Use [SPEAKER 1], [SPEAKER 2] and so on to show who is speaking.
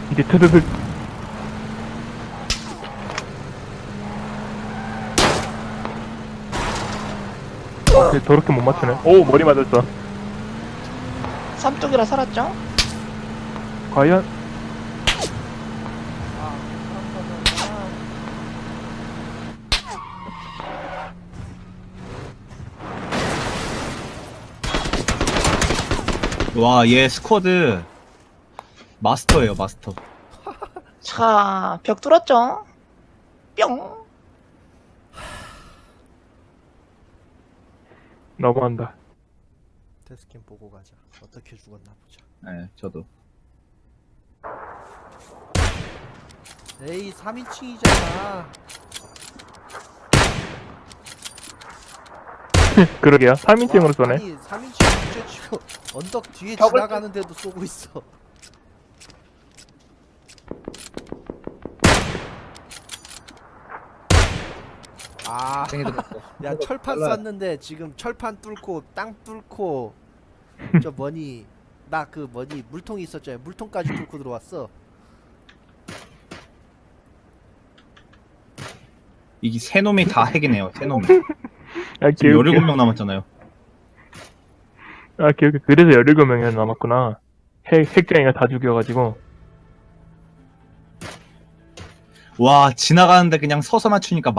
[SPEAKER 1] 이제 트르륵. 더럽게 못 맞추네. 오, 머리 맞았어.
[SPEAKER 2] 삼뚝이라 살았죠?
[SPEAKER 1] 과연?
[SPEAKER 3] 와, 얘 스쿼드 마스터예요, 마스터.
[SPEAKER 2] 자, 벽 뚫었죠? 뿅!
[SPEAKER 1] 너무한다.
[SPEAKER 4] 데스캠 보고 가자. 어떻게 죽었나 보자.
[SPEAKER 3] 네, 저도.
[SPEAKER 4] 에이 3인칭이잖아.
[SPEAKER 1] 그러게요. 3인칭으로 쏘네.
[SPEAKER 4] 아니 3인칭 문제치고 언덕 뒤에
[SPEAKER 2] 벽을
[SPEAKER 4] 지나가는데도 쏘고 있어. 아, 야 철판 쐈는데 지금 철판 뚫고 땅 뚫고 저 뭐니 나 그 뭐니 물통이 있었잖아요. 물통까지 뚫고 들어왔어.
[SPEAKER 3] 이게 세 놈이 다 핵이네요, 세 놈이.
[SPEAKER 1] 아,
[SPEAKER 3] 지금
[SPEAKER 1] 기억이.
[SPEAKER 3] 17명 남았잖아요.
[SPEAKER 1] 아, 기억이. 그래서 17명이 남았구나. 핵쟁이가 다 죽여가지고.
[SPEAKER 3] 와, 지나가는데 그냥 서서 맞추니까